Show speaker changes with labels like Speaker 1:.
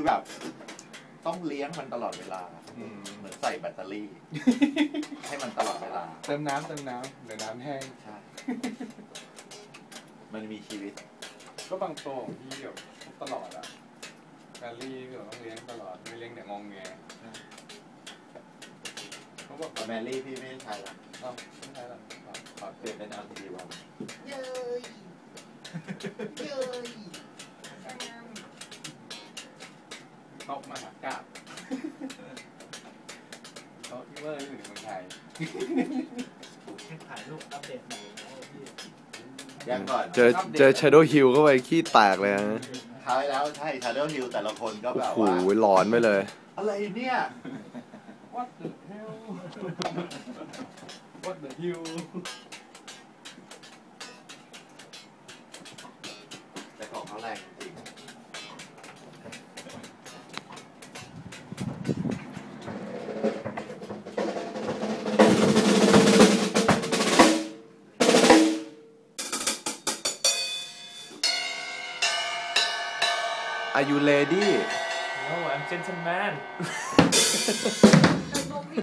Speaker 1: แบบต้องเลี้ยงมันตลอดเวลาเหมือนใส่แบตเตอรี่ ให้มันตลอดเวลา
Speaker 2: เติมน้ำเดี๋ยวน้ำแห้ง
Speaker 1: ใช่มันมีชีวิต
Speaker 2: ก็บางตัวของพี่แบบตลอดอะแมรี่พี่ต้องเลี้ยงตลอดไม่เลี้ยงแต่งงแงเขาบอก
Speaker 1: แมรี่พี่ไม่ใช่ละ
Speaker 2: ไม่ใช่ละ
Speaker 1: ขอเปลี่ยนเป็นLTDวัน
Speaker 3: เย้ย
Speaker 2: ตบมหากาบเขาเมื่ออยู่ในเมืองไทย
Speaker 3: ถ่ายรูปอัปเดตใหม่พี่
Speaker 1: ยังก่อน
Speaker 4: เจอ Shadow Hill เข้าไปขี้แตกเลยนะ
Speaker 1: ท้ายแล้วใช่ Shadow Hill แต่ละคนก็แบบว่า
Speaker 4: โอ้โหหลอนไปเลย
Speaker 1: อะไรเนี่ย
Speaker 2: What the hell What the hell
Speaker 1: แต่ของเขาแรงจริง
Speaker 4: Are you ready?
Speaker 3: No, I'm gentleman